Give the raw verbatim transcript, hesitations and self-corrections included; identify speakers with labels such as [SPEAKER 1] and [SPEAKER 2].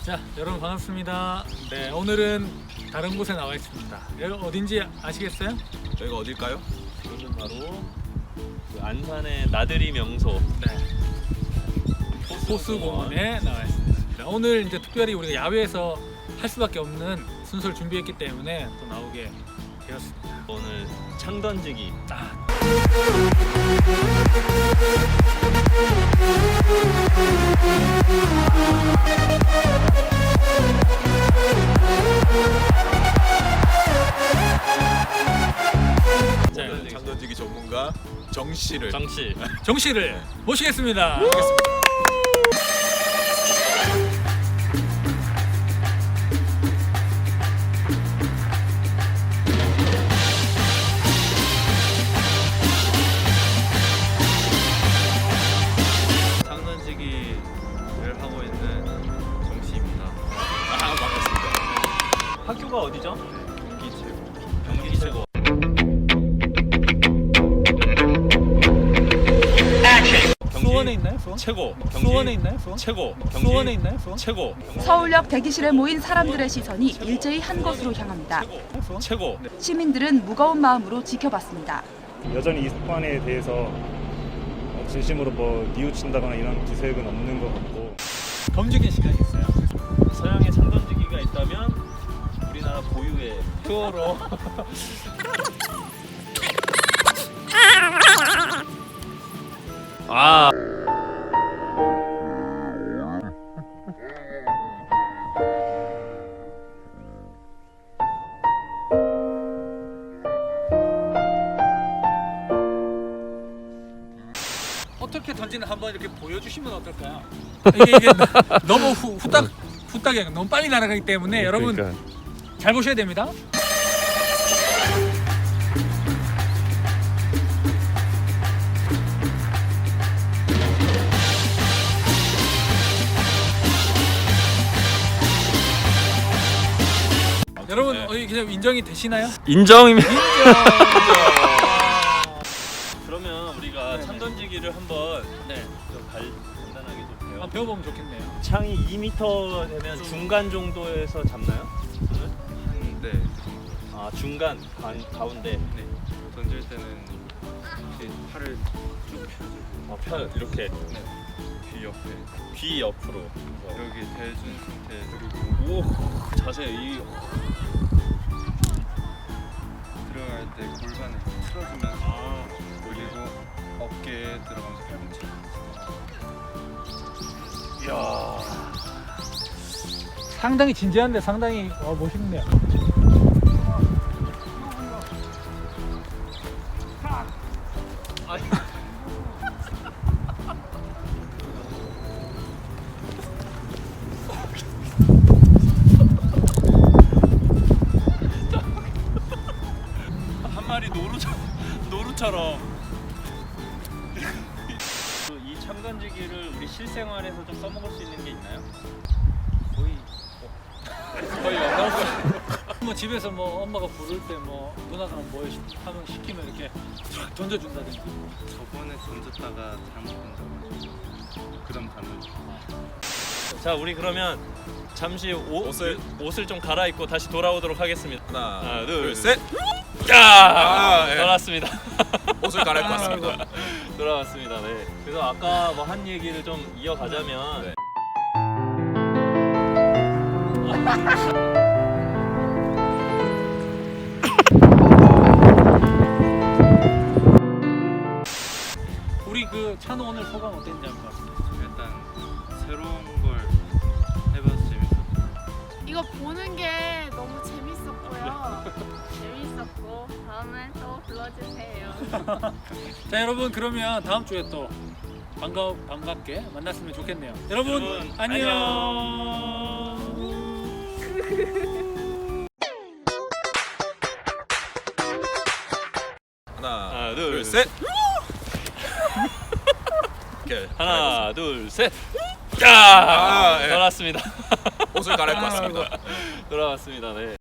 [SPEAKER 1] 자, 여러분 반갑습니다. 네, 오늘은 다른 곳에 나와 있습니다. 여기 어딘지 아시겠어요?
[SPEAKER 2] 여기가 어딜까요?
[SPEAKER 3] 이것은 바로 그 안산의 나들이 명소
[SPEAKER 1] 네, 호수공원에 나와 있습니다. 오늘 이제 특별히 우리가 야외에서 할 수밖에 없는 순서를 준비했기 때문에 또 나오게 되었습니다.
[SPEAKER 3] 오늘 창 던지기.
[SPEAKER 1] 아, 자,
[SPEAKER 2] 오늘 창 던지기 전문가 정 씨를
[SPEAKER 3] 정씨.
[SPEAKER 1] 정 씨를 모시겠습니다.
[SPEAKER 3] 창 던지기를 하고 있는 정씨입니다.
[SPEAKER 2] 아, 반갑습니다.
[SPEAKER 3] 학교가 어디죠? 경기 최고. 경기 최고.
[SPEAKER 1] 수원에 있나요? 수원?
[SPEAKER 3] 최고. 경기
[SPEAKER 1] 수원에 있나요? 수원?
[SPEAKER 3] 최고. 경기
[SPEAKER 1] 수원에 있나요? 수원?
[SPEAKER 3] 최고.
[SPEAKER 4] 서울역 대기실에 모인 사람들의 시선이 일제히 한 곳으로 향합니다.
[SPEAKER 1] 수원?
[SPEAKER 3] 최고.
[SPEAKER 4] 시민들은 무거운 마음으로 지켜봤습니다.
[SPEAKER 5] 여전히 이 사건에 대해서 진심으로 뭐 뉘우친다거나 이런 기색은 없는 것 같고,
[SPEAKER 1] 검증의 시간이 있어요.
[SPEAKER 3] 서양에 창 던지기가 있다면 우리나라 고유의 투어로. 아.
[SPEAKER 1] 어떻게 던지는 한번 이렇게 보여주시면 어떨까요? 이게, 이게 너무 후, 후딱 후딱이 너무 빨리 날아가기 때문에 여러분 잘 보셔야 됩니다. 여러분
[SPEAKER 3] 네.
[SPEAKER 1] 어디 그냥 인정이 되시나요?
[SPEAKER 3] 인정입니다.
[SPEAKER 1] 인정.
[SPEAKER 3] 그러면 우리가
[SPEAKER 1] 네.
[SPEAKER 3] 창 던지기를 한번
[SPEAKER 1] 네,
[SPEAKER 3] 좀 갈, 간단하게 좀 배워.
[SPEAKER 1] 한번 배워보면 좋겠네요.
[SPEAKER 3] 창이 이 미터 되면 중간 정도에서 잡나요?
[SPEAKER 6] 네,
[SPEAKER 3] 아 중간 가, 가운데.
[SPEAKER 6] 네. 던질 때는 이렇게 팔을 쭉 펴주고
[SPEAKER 3] 아, 편 이렇게
[SPEAKER 6] 네. 귀 옆에
[SPEAKER 3] 귀 옆으로.
[SPEAKER 6] 여기 대준 상태 그리고
[SPEAKER 3] 오 자세 이.
[SPEAKER 6] 들어갈 때 골반을 틀어주면서
[SPEAKER 3] 아
[SPEAKER 6] 그리고 어깨에 들어가면서 팔꿈치
[SPEAKER 3] 이야.
[SPEAKER 1] 상당히 진지한데 상당히 어, 멋있네요.
[SPEAKER 3] 한 마리 노루처럼 노루처럼. 이 창 던지기를 우리 실생활에서 좀 써먹을 수 있는 게 있나요?
[SPEAKER 1] 거의 거의 없어요. 뭐 집에서 뭐 엄마가 부를 때 뭐 누나가 뭐 하면 시키면 이렇게 쫙 던져준다든지.
[SPEAKER 6] 저번에 던졌다가 잘못 던져가지고 그 다음 가면
[SPEAKER 3] 자 우리 그러면 잠시 옷,
[SPEAKER 2] 옷을-
[SPEAKER 3] 옷을 좀 갈아입고 다시 돌아오도록 하겠습니다.
[SPEAKER 2] 하나,
[SPEAKER 3] 하나,
[SPEAKER 2] 둘,
[SPEAKER 3] 둘,
[SPEAKER 2] 셋.
[SPEAKER 3] 야!
[SPEAKER 2] 아, 예.
[SPEAKER 3] 돌아왔습니다.
[SPEAKER 2] 옷을 갈아입고 왔습니다.
[SPEAKER 3] 돌아왔습니다. 네. 그래서 아까 뭐 한 얘기를 좀 이어가자면
[SPEAKER 2] 네.
[SPEAKER 1] 우리 그 찬호 오늘 소감 어땠는지 한번 말씀해주세요.
[SPEAKER 6] 일단 새로운 걸 해봐서 재밌었고
[SPEAKER 7] 이거 보는 게 너무 재밌었고요. 재밌었고 다음에 또 불러주세요.
[SPEAKER 1] 자 여러분 그러면 다음 주에 또 반가 반갑게 만났으면 좋겠네요. 여러분,
[SPEAKER 3] 여러분,
[SPEAKER 1] 안녕.
[SPEAKER 2] 하나,
[SPEAKER 3] 하나,
[SPEAKER 2] 둘,
[SPEAKER 3] 둘,
[SPEAKER 2] 셋. 이렇게
[SPEAKER 3] 하나, 둘, 셋. 야!
[SPEAKER 2] 아, 예.
[SPEAKER 3] 돌아왔습니다.
[SPEAKER 2] 옷을 갈아입고 왔습니다.
[SPEAKER 3] 돌아왔습니다. 네.